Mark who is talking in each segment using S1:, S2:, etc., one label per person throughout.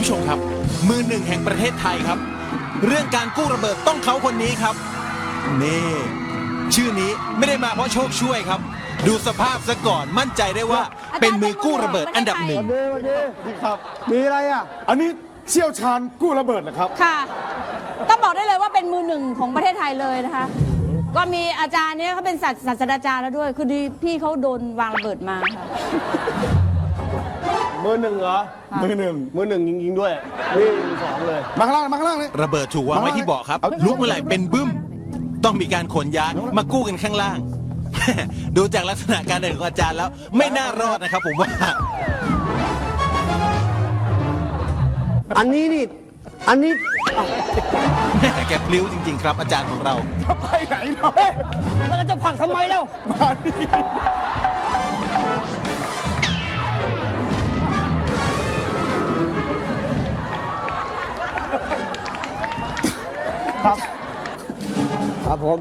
S1: ผู้ชมครับมือหนึ่งแห่งประเทศไทยครับเรื่องการกู้ระเบิดต้องเขาคนนี้ครับนี่ชื่อนี้ไม่ได้มาเพราะโชคช่วยครับดูสภาพซะก่อนมั่นใจได้ว่าเป็นมือกู้ระเบิดอันดับหนึ่ง
S2: นี่ครับมีอะไรอ่ะอันนี้เชี่ยวชาญกู้ระเบิดนะครับ
S3: ค่ะต้องบอกได้เลยว่าเป็นมือหนึ่งของประเทศไทยเลยนะคะ ก็มีอาจารย์เนี่ยเขาเป็นศาสตราจารย์แล้วด้วย คือดีพี่เขาโดนวางระเบิดมาค่ะ
S4: มือหนึ่งเหรอ
S2: มือหนึ่ง
S4: มือหนึ่งยิงๆด้วยนี่สองเลย
S2: มาข้างล่างมาข้างล่างเลย
S1: ระเบิดถูกวางไว้ที่เบาะครับลุกเมื่อไหร่เป็นบึ้มต้องมีการขนย้ายมากู้กันข้างล่าง ดูจากลักษณะการเดินของอาจารย์แล้วไม่น่ารอดนะครับผมว่า
S4: อันนี้อันนี้
S1: แกพลิ้วจริงๆครับอาจารย์ของเรา
S2: ไปไหนเนาะ
S4: แล้วจะผลักทำไมเล่า
S2: มาดิ
S4: ครับผม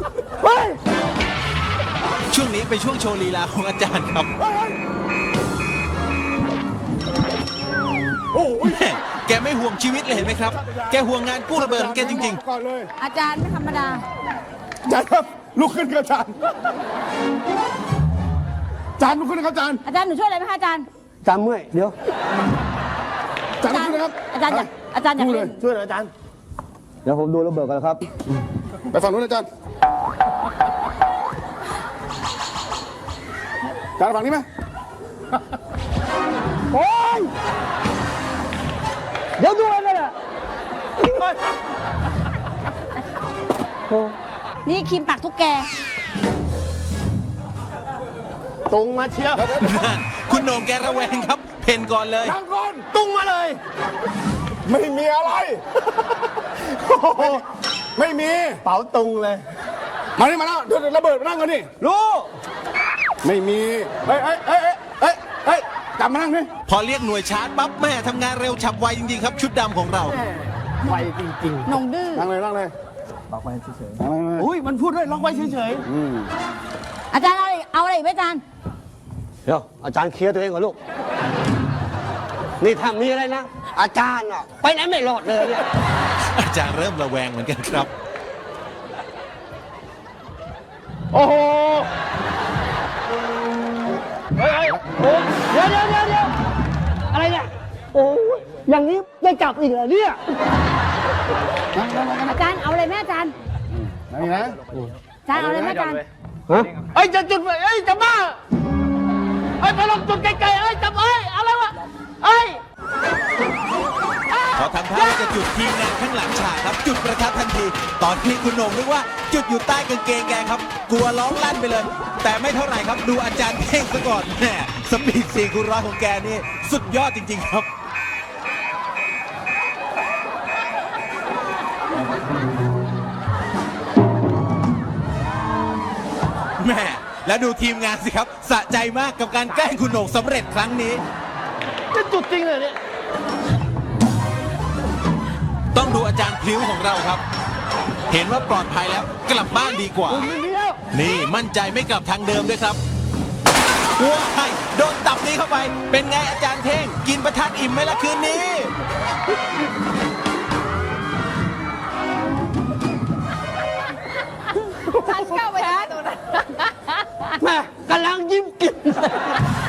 S1: ช่วงนี้เป็นช่วงโชว์ลีลาของอาจารย์ครับ
S2: โอ้ย
S1: แม่แกไม่ห่วงชีวิตเลยเห็นไหมครับ แกห่วงงานกู้ระเบิดของแกจริง
S2: ก่อนเลย
S3: อาจารย์ไม่ธรรมดา
S2: อาจารย์ครับลุกขึ้นครับอาจารย์อาจารย์ลุกขึ้นนะครับอาจารย์
S3: อาจารย์หนูช่วยอะไรไหมคะอาจารย์
S4: จำเมื่อยเดี๋ยว
S2: อาจารย์ลุกขึ้นนะครับ
S3: อาจารย์อยากอาจารย์อยาก
S2: ดูเล
S3: เล่
S2: ย
S3: น
S4: ช่วยหน่อยอาจารย์ เดี๋ยวผมดูระเบิดกันครับ
S2: ไปฝั่งนู้นอาจารย์อาจารย์ฝั่งนี้ไหม
S4: โอ้ย เดี๋ยวดูเลยอ่ะ
S3: นี่ครีมปากทุกแก
S4: ตรงมาเชียว
S1: ๆ คุณโหน่งแกระแวงครับ เพนก่อนเลย
S2: นั่งก่อน
S4: ตรงมาเลย
S2: ไม่มีอะไรโอ้โหไม่มี
S4: เป๋าตรงเลย
S2: มานี่มาแล้วเดี๋ยวระเบิดมานั่งกันดิ
S4: รู้
S2: ไม่มีเฮ้ยเฮ้ยเฮ้ยเฮ้ยเฮ้ยกลับมานั่งดิ
S1: พอเรียกหน่วยชาร์จปั๊บแม่ทำงานเร็วฉับไวจริงๆครับชุดดำของเรา
S4: ไวจริง
S3: นงดื้อ
S2: นั่งเลยนั่งเลย
S4: ๆล็อกไว้เฉย
S2: นั่งเลย
S4: ๆอุ้ยมันพูดด้วยล็อกไว้เฉย
S3: อาจารย์เอาอะไรอีกไหมอาจารย์
S4: ๆเดี๋ยวอาจารย์เคลียร์ตัวเองก่อนลูก นี่ถ้ามีอะไรนะ อาจารย์อ่ะไปไหนไม่รอดเลยเนี่ย
S1: อาจารย์เริ่มระแวงเหมือนกันครับ
S4: โอ้โห เฮ้ยโอ้เดี๋ยวอะไรเนี่ย โอ้ยอย่างนี้ได้กลับอีกเหรอเนี่ย
S3: อาจารย์เอาอะไรไหมอาจารย์
S2: นั่งนะ
S3: อาจารย์เอาอะไรไหมอาจารย์
S4: ฮะเอ้ยจะจุดไฟเอ้ยจะบ้าเอ้ยไปลองจุดไกลๆเอ้ยจับเอ้ยอะไรวะเอ้ย
S1: พอทำท่าว่าจะจุดทีมงานข้างหลังฉากครับ จุดประทัดทันที ตอนที่คุณโหน่งนึกว่าจุดอยู่ใต้กางเกงแกครับ กลัวร้องลั่นไปเลย แต่ไม่เท่าไหร่ครับดูอาจารย์เท่งซะก่อนแหมสปีด4 คูณ 100ของแกนี่สุดยอดจริงๆครับแม่แล้วดูทีมงานสิครับสะใจมากกับการแกล้งคุณโหน่งสำเร็จครั้งนี้
S4: จะจุดจริงเลยเนี่ย
S1: ต้องดูอาจารย์พลิ้วของเราครับ เห็นว่าปลอดภัยแล้วกลับบ้านดีกว่า
S4: ไม่มีแล้ว
S1: นี่มั่นใจไม่กลับทางเดิมด้วยครับว้ายโดนตับนี้เข้าไป เป็นไงอาจารย์เท่ง กินประทัดอิ่มไหมล่ะคืนนี้
S3: อาจารย์เข้าไปนะ
S4: แม่กำลังยิ้มกิน